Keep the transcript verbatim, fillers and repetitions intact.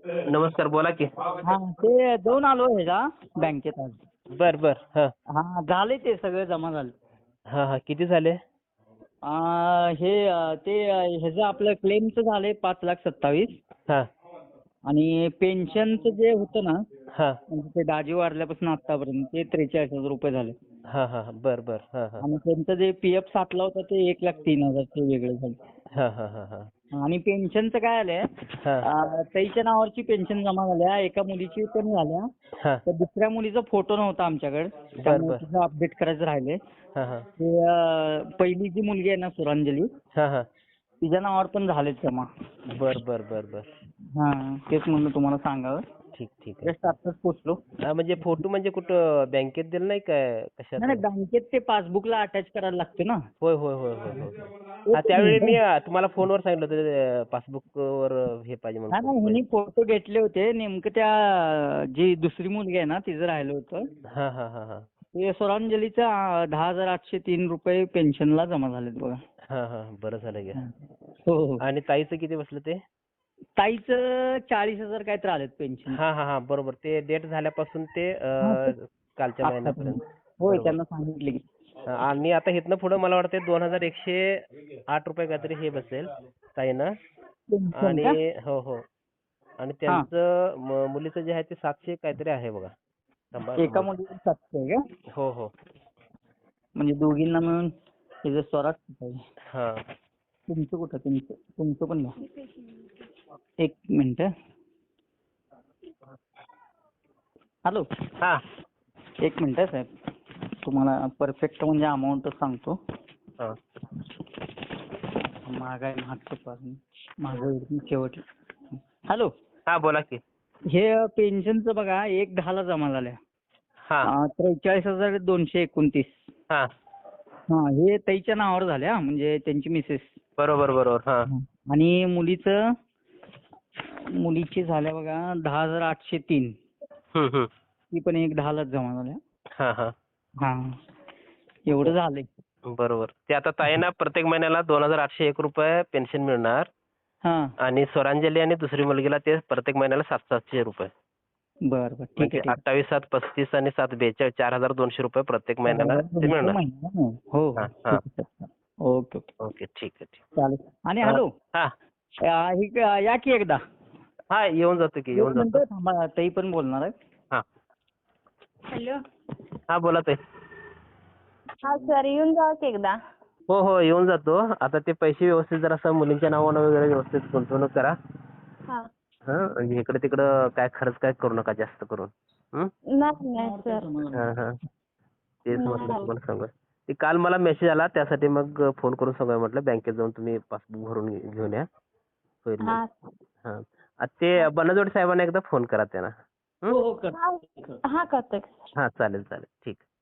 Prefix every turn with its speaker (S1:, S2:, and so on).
S1: नमस्कार, बोला की.
S2: हा ते जाऊन आलो ह्याला बँकेत आज.
S1: बर बर. हा
S2: हा झाले ते सगळे जमा झाले.
S1: हा हा किती झाले?
S2: आ, हे अ, ते अ, ह्याचं आपलं क्लेमचं झाले पाच लाख सत्तावीस.
S1: हा
S2: आणि पेन्शनचं जे होतं ना,
S1: हा
S2: म्हणजे ते दाजी वारल्यापासून आतापर्यंत ते त्रेचाळीस हजार रुपये झाले.
S1: हा हा बर बर. हा हा
S2: आणि त्यांचं जे पी एफ साठला होता ते एक लाख तीन हजार ते वेगळे झाले.
S1: हा हा हा हा
S2: आणि पेन्शनचं काय आलंय,
S1: हा
S2: अ, ताईच्या नावावरची पेन्शन जमा झाल्या, एका मुलीची पण झाल्या.
S1: हा
S2: तर दुसऱ्या मुलीचा फोटो नव्हता आमच्याकडे,
S1: बर
S2: त्यामुळे
S1: बर.
S2: तिचं अपडेट करायचं राहिले.
S1: हा हा
S2: ते अ, पहिली जी मुलगी आहे ना सुरांजली,
S1: हा हा
S2: तिच्या नावावर पण झालेत जमा.
S1: बर बर बर बर.
S2: हा तेच म्हणलं तुम्हाला सांगावं.
S1: ठीक ठीक आहे.
S2: जस्ट आत्ताच पोचलो.
S1: हा, म्हणजे फोटो म्हणजे कुठं बँकेत दिलं नाही काय
S2: नाही
S1: कशात?
S2: नाही, बँकेत ते पासबुकला अटॅच करायला लागते ना.
S1: होय होय होय होय होय होय. हा,
S2: एकच
S1: त्यावेळी मी
S2: मिनिट.
S1: अ, तुम्हाला फोनवर सांगितलं होतं पासबुक वर हे पाहिजे म्हणून
S2: हा
S1: फोटो
S2: नाही, ह्यांनी
S1: पाहिजे.
S2: फोटो घेतले होते नेमकं त्या अ, जी दुसरी मुलगी आहे ना तिचं राहिलं होतं.
S1: हा हा हा हा
S2: ते सुरांजलीचं अ, दहा हजार आठशे तीन रुपये पेन्शनला जमा झालेत बघा.
S1: हा हा बरं झालं घ्या.
S2: हो हो.
S1: आणि ताईचं किती बसलं ते?
S2: ताईचं चाळीस हजार काय तर आलेत पेन्शन.
S1: हा हा हा बरोबर. ते डेट झाल्यापासून ते अ,
S2: हा ते
S1: कालच्या
S2: आत्तापर्यंत.
S1: महिन्यापर्यंत.
S2: होय,
S1: बरोबर.
S2: त्यांना सांगितले की.
S1: हा, आणि आता इथनं पुढे मला वाटतं दोन हजार एकशे आठ रुपये काहीतरी हे बसेल ताईनं.
S2: पेन्शन का?
S1: आणि हो हो. आणि
S2: हा,
S1: त्यांचं म- मुलीचं जे आहे ते सातशे काहीतरी आहे बघा. थांबा
S2: एका
S1: तुम्हाला.
S2: मुलीवर सातशे आहे का?
S1: हो हो.
S2: म्हणजे दोघींना मिळून तिचं स्वराज पाहिजे.
S1: हा
S2: तुमचं कुठं? तुमचं तुमचं पण घ्या. एक मिनिट. हॅलो,
S1: हा
S2: एक मिनिट आहे साहेब. तुम्हाला परफेक्ट म्हणजे अमाऊंट सांगतो.
S1: हा
S2: महागाई मागचं पासून माझं शेवट. हॅलो,
S1: हा बोला की.
S2: हे पेन्शनचं बघा एक दहाला जमा झाल्या.
S1: हा
S2: अं, त्रेचाळीस हजार दोनशे एकोणतीस.
S1: हा
S2: हा, हे ताईच्या नावावर झाले हा, म्हणजे त्यांची मिसेस.
S1: बरोबर बरोबर. हा
S2: आणि मुलीचं मुलीची झाल्या बघा दहा हजार आठशे तीन.
S1: हम्म हम्म.
S2: ती पण एक दहालाच जमा झाल्या.
S1: हा हा
S2: हा, एवढं झालंय.
S1: बरोबर. ते आता ताईंना प्रत्येक महिन्याला दोन हजार आठशे एक रुपये पेन्शन मिळणार.
S2: हा,
S1: आणि स्वरांजली आणि दुसरी मुलगीला ते प्रत्येक महिन्याला सात सातशे रुपये.
S2: बरं बरं, ठीक
S1: म्हणजे
S2: आहे ठीक आहे.
S1: अठ्ठावीस सात पस्तीस आणि सात बेचाळीस चार हजार दोनशे रुपये प्रत्येक
S2: चार
S1: महिन्याला
S2: हजार
S1: ते
S2: दोनशे
S1: मिळणार.
S2: महिना. हो हो,
S1: हा हा.
S2: ठीक आहे सर. ओके ओके,
S1: ओके ठीक आहे ठीक
S2: चालेल. आणि
S1: आहे.
S2: हॅलो,
S1: हा
S2: अं, ही क- या की एकदा.
S1: हा येऊन जातो की
S2: एक
S1: येऊन जातो.
S2: मिनिट थांबा, ताई पण बोलणार आहे.
S1: हा
S3: हॅलो.
S1: हा बोला ताई.
S3: हा सर, येऊन जावा की एकदा.
S1: हो हो येऊन जातो. आता ते पैसे व्यवस्थित जरा असं मुलींच्या नावानं वगैरे व्यवस्थित गुंतवणूक करा.
S3: हा.
S1: हा, आणि इकडे तिकडं काय खर्च काय करू नका जास्त करून. हं?
S3: नाही नाही सर.
S1: हा हा तेच म्हटलं
S3: नाही.
S1: तुम्हाला सांगा. ते काल मला मेसेज आला त्यासाठी मग फोन करून सांगा म्हटलं बँकेत जाऊन तुम्ही पासबुक भरून घे- घेऊन या. होईल
S3: हा.
S1: म्हणून. हा. आ, ते बनजोड साहेबांना एकदा फोन करा त्यांना. हं?
S2: हो हो, कर.
S3: हा हा, करतो की सर.
S1: हा चालेल चालेल ठीक.